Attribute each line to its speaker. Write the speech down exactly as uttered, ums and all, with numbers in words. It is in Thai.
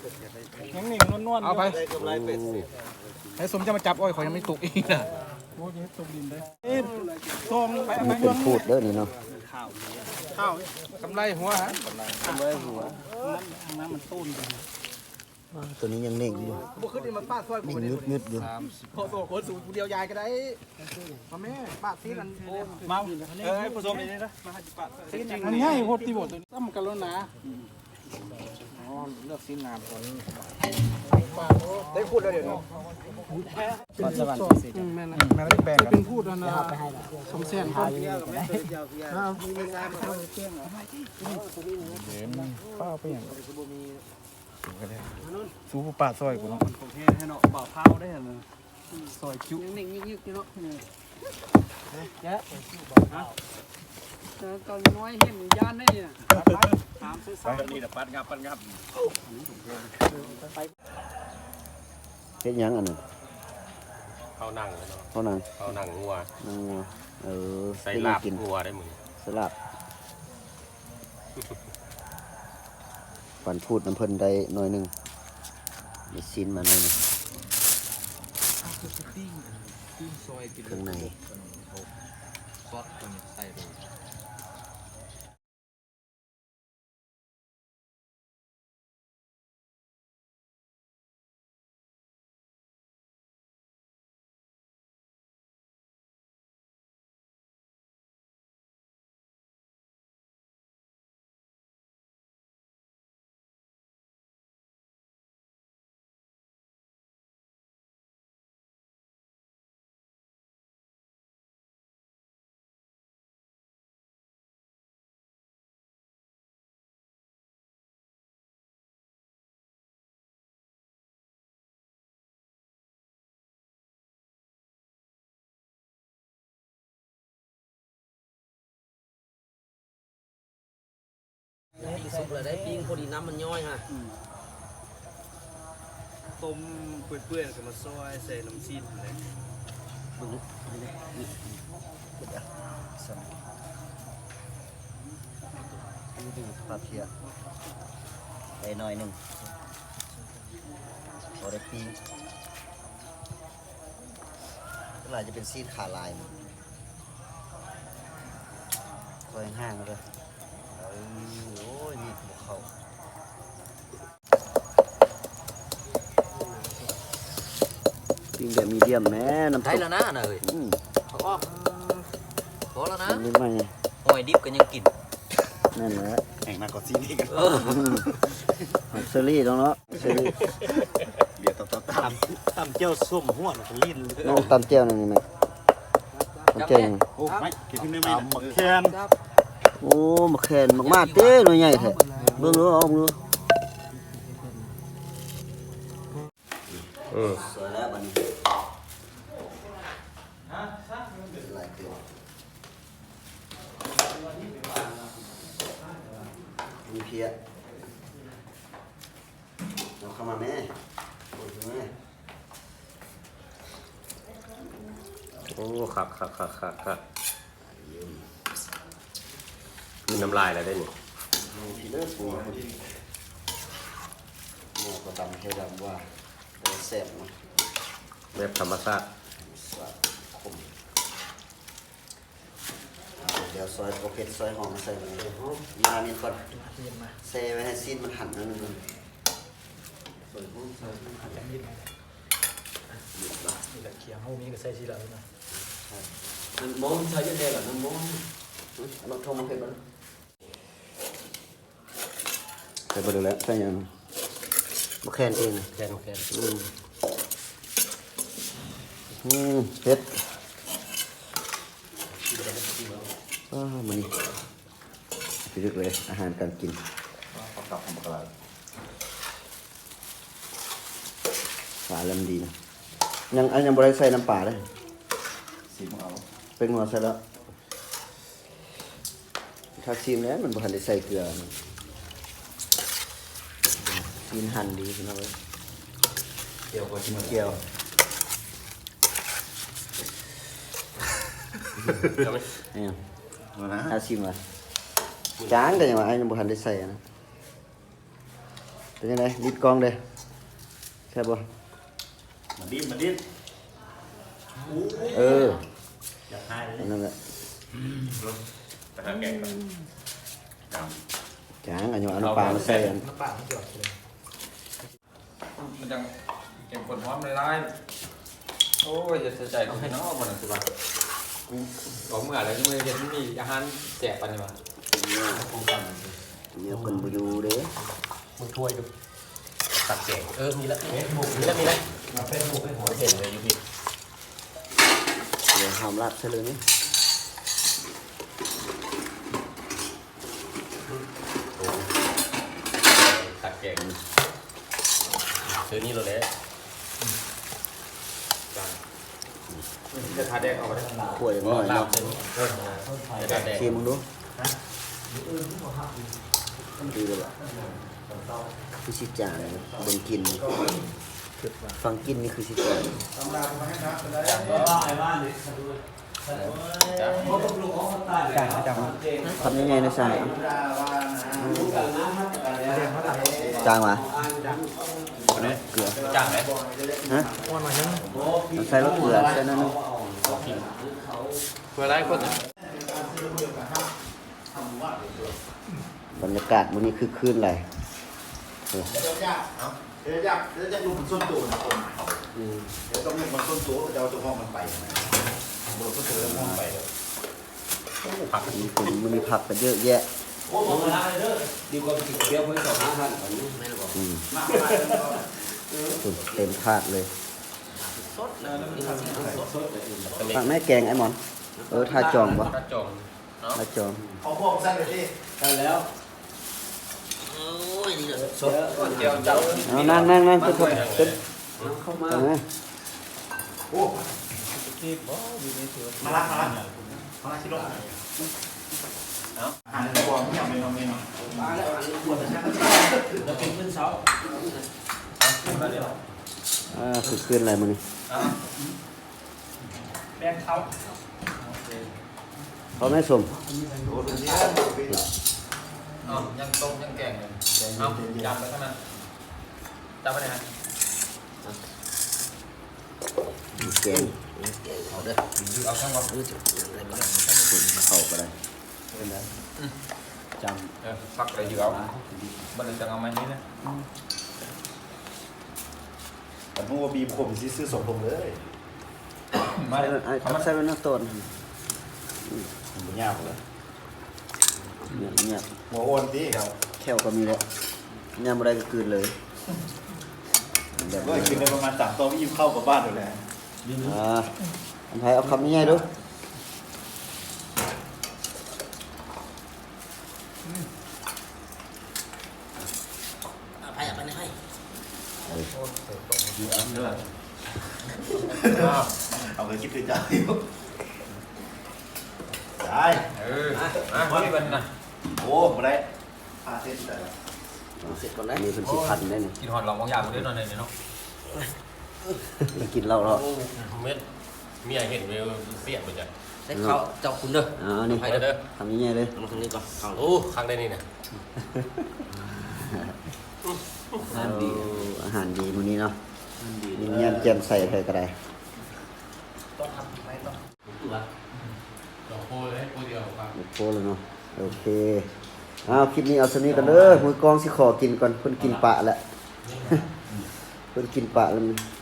Speaker 1: ยังหนึ่งนวลๆเอาไปไอ้สมจะมาจับอ้อยขอยังไม่ตกอีกนะโอ้ยตกดินได้ซองไป
Speaker 2: มันเป็นพูดเด้อนี่เนาะ
Speaker 1: ข้าวกำไรหัวฮะกำไรหัวน้ำมันต้นกัน
Speaker 2: ตัวนี้ยังเน่งอยู่
Speaker 1: บุขึ้นนี่มันป้าซอยกูเนี่ย
Speaker 2: งึดๆอยู่
Speaker 1: พอตัวคนสูงเดียวยายก็ได้มาแม่ป้าซีนันมาเออผสมนี่นะมาให้ป้าซีนันมันง่ายโคตรที่บทตัวนี้ตั้มกันแล้วนะอ๋อเลือกซีนงามก่อนได้พูดแล้วเดี๋ยวนี้ก่อนสวรรค์แม่นะแม่ได้แบ่งกันเป็นพูดแล้วนะสมเสียนครับครับมีงานมาเข้าเที่ยงเหรอเดี๋ยวป้าไปอย่างสู้ผู้ป่าซอยกูเนาะโอเคให้เนาะบ่าวเผาได้เหรอซอยจุ๊นิ่งๆยึกๆเนาะเยอะเก่าน้อยเห็นย่านได้เนี่ยถามซื้อๆนี่แหละปัดงับปัดงับ
Speaker 2: เฮ็ดยังอันนั้น
Speaker 3: เขานั่งเลยเนาะ
Speaker 2: เขานั่ง
Speaker 3: เขานั่งงัว
Speaker 2: นั่งงัวเออ
Speaker 3: ใส่ลาบงัวได้มึง
Speaker 2: สลับปั่นพูดน้ำเพิ่นได้หน่อยหนึงมีซีนมาหน่อยหนึงเครื่องใน
Speaker 3: ซอสตัวนี้ใส่ไป
Speaker 4: สุกเลยได้ปิ้งพอดีน้ำมันย่อยฮะ
Speaker 1: ต้มเปื่อยๆกับมาซอยใส่น้ำซีนเลย
Speaker 2: บึ้งนี่นี่นี่เดี๋ยวสั่นนี่ดูปลาเพียได้หน่อยหนึงพอได้ปีเวลาจะเป็นซีดขาลายมันคอยห่างๆเลยเอ้ยโอ้ยนี่บุกเขาปิ้งแบบมีเดียมแม่น้ำ
Speaker 4: ได้
Speaker 2: ตก
Speaker 4: แล้วนะน่ะเอ้ย
Speaker 2: อืม
Speaker 4: เขาก็พอแล้วนะ
Speaker 2: มันไม่ไหม
Speaker 4: หอยดิบก็ยังกิน
Speaker 2: นั่นแหละ
Speaker 3: แข่งมากกว่าซีนี่กัน
Speaker 4: เออ
Speaker 2: หอมเซอรี่ตรงเนาะเซอรี่
Speaker 3: เดี๋ยวต่อต่อตามตามเจ้าส้มหัวมันลิ้น
Speaker 2: น้องตำเจียวนั่นนี่ไหมตำเจียวยัง
Speaker 3: โอ้ไม่กินขึ้นได้ไหมหมักแคน
Speaker 2: โอ้มาแขนมากมาเต้หน่อยใหญ่แท้เบิ่งดูเอาดู
Speaker 3: เออ
Speaker 2: สวยแล้วบัดนี้หลายตัวมีเพียเอาเข้ามาแม่โอ้ยแม่
Speaker 3: โอ้ขักขักขักขักขักมีน้ำลายอะไรได้นี่
Speaker 2: มีพีเลิศปูหม้อก็ตำแค่ดำว่าแซ่บเนาะ
Speaker 3: แบบธรรมชาติ
Speaker 2: สวัสดีคมเดี๋ยวซอยโอเคซอยหอมใส่ลงไปมานี่ก่อนเซไว้ให้ซีนมันหั่นนั่นนึงซอยหอมซอยหั่นนิดนิดละ
Speaker 1: นี่แหละเขียงห้องนี้ก็ใส่ชีละนะ
Speaker 2: น้ำมันใส่ยังไงล่ะน้ำมันเราทงมันเผ็ดบ้างใส่ไปดูแล้วใส่ยังมะแคนเอง
Speaker 3: แคนแคน
Speaker 2: อืมอืมเผ็ดอ้าวมันนี่ไปลึกเลยอาหารการกินกับของปลาปลาเริ่มดีนะยังอันยังบริใส่น้ำปลาเลยสีมเอาเป็นหัวใส่แล้วถ้าชิมแล้วมันบ่ทันได้ใส่เกลือกินหั่นดีพี่น้องเอ้ย
Speaker 3: เกี่ยวกับ
Speaker 2: กินเกี๊ยว เนี่ยถ้าชิมอ่ะจางแต่ยังว่าอันยังบ่ทันได้ใส่นะเป็นยังไงลิดกล้องเด้ใช่บ่
Speaker 3: มันดิ้นมันดิ้น
Speaker 2: เออ
Speaker 3: อยากให้เลย
Speaker 2: นั่นแหละ
Speaker 3: แต่ถ้าแกงแบบด
Speaker 2: จางอันนี้เอาน้ำปลามาใส่อัน
Speaker 1: มันจังเก็บผลพร้อมเลยได้โอ้ยจะเสียใจกับพี่น้องคนนั้นสิวะกูบอกเมื่อไหร่ที่มือเห็นมีอาหารแจกปันนี่วะ
Speaker 2: เนี่ยเพิ่นบ่อยู่เด้
Speaker 4: มึงถ้วยดูตักแกงเออมีละมีละมีละมาเป็นหมูให้หัวเห็นเลยอยู่พี่
Speaker 2: เดี๋ยวหอมลาบใส่เลยนี่
Speaker 4: ตักแกงซื้อนี่เราเลยจ้าจะทาแดงเอาไปได้
Speaker 2: ถ้วยหน่อย
Speaker 4: ลาบ
Speaker 2: เนาะ
Speaker 4: เส้นเออจะทาแดง
Speaker 2: ชิมมึงดูดีเลยล่ะคือสิจางเบิ่งกินฟังกินนี่คือสิจางทำยังไงนะชายจางวะเกลือ
Speaker 4: จ้างไหม
Speaker 2: ฮะใส่รสเกลือใส่นั่นนึง
Speaker 4: เพื่ออะไรคน
Speaker 2: บรรยากาศวันนี้คือคืนอะไร
Speaker 3: เดี๋ยวอยากเดี๋ยวอยากเดี๋ยวอยากดูมันส้นตัวนะคนเดี๋ยวต้องเรียกมันส้นตัวจะเอาตัวห้องมันไปบนส้นตัวแล้วห้องไปแล้ว
Speaker 2: มีฝนมันมีผักกันเยอะแยะ
Speaker 4: โอ้โหมาได้เลยดีกว่าไปกินเบียร์เพื่อนสองห้าพันแบบนี้ไม่หรอก
Speaker 2: อืมเต็มถาดเลย
Speaker 4: สดเลยสดเลย
Speaker 2: ผักแม่แกงไอ้หมอน เออทาจองปะ
Speaker 4: กระจง
Speaker 2: ทาจอง
Speaker 3: เอาพวกสั้นเลยดิ
Speaker 4: ได้แล้วโอ้ยนี่เลยสดเจียวเจ้า
Speaker 2: เอานั่งนั่งนั่งเป็นเป็น
Speaker 4: เข้ามา
Speaker 2: เอาไหม
Speaker 3: โอ้มาละมาละมาละชิโร่เอาอ่านในบอลไม่อยากเป็นน้องเมย์เนาะ
Speaker 4: มาแล้วอันนี้ปวดนะจะเป็นขึ้นเสา
Speaker 2: อ่าคือคืนอะไรมึงนี่
Speaker 1: แบงเขา
Speaker 2: เขาไม่สม
Speaker 3: โอ้ดูเนี่ย
Speaker 1: อ๋อยังต้มยังแกงเลยเอายำไปข้างหน้าจำไปไหนฮะ
Speaker 2: แกง
Speaker 4: เอาเด้อ
Speaker 1: เอาข้างบน
Speaker 2: เข้าก็ได้
Speaker 1: จำเออพักอะไรอยู่เอาบันทึกจังเอาไหมนี่นะ
Speaker 3: แต่มึงว่าบีมผมซื้อสมผมเลย
Speaker 1: มา
Speaker 2: ใส่
Speaker 1: เลย
Speaker 2: ไอ้
Speaker 1: เขามา
Speaker 2: ใส่เป็นน้ำต้น
Speaker 3: มันยากเลย
Speaker 2: เนี่ยเนี่ย
Speaker 3: หัวโอนดิครับ
Speaker 2: แค่วก็มีแล้วยำอะไรก็คืนเลยแบบ
Speaker 3: ก็
Speaker 2: นี้
Speaker 3: กินได้ประมาณสามตัววิ่งเข้ากับบ้านอยู่แล้ว
Speaker 2: อ่าอันไทยเอาคำนี้ให้ดู
Speaker 4: ไปอ่ะไปไหนให้
Speaker 3: เอาไปคิดคือจ่ายได้
Speaker 1: เออมาไม่เป็นนะ
Speaker 3: โอ้มาได้พาเส้นแต่
Speaker 4: เสร็จก่อนนะ
Speaker 2: มีเป็นสิพันได้นี่
Speaker 1: กินหอนหลองบางอย่างมาด้วยหน่อยเนาะ
Speaker 2: กินเหล้าแล้ว
Speaker 5: เม็ดเมียเห็นเวลเสียบไปจ้ะ
Speaker 4: ใส่ข้าวเจ้าคุณเด้อ
Speaker 2: อ่านี่
Speaker 4: ไปเด้อ
Speaker 2: ทำนี้ไงเลย
Speaker 4: มาทางนี้ก่อนข้าว
Speaker 5: โอ้ครั้งได้นี่นะ
Speaker 2: อาหารดีอาหารดีมื้อนี้เนาะมีเงี้ยเจียมใส่ใส่ก็ได้
Speaker 4: ต้องทำไม่ต้องตัว
Speaker 5: ดอกโพเลยโพเดียวครับ
Speaker 2: โอเคเลยเนาะโอเคอ้าวคลิปนี้เอาสนี้กันเด้อมือกองสิขอกินก่อนเพิ่นกินปะแล้ว เพิ่นกินปะแล้วมัน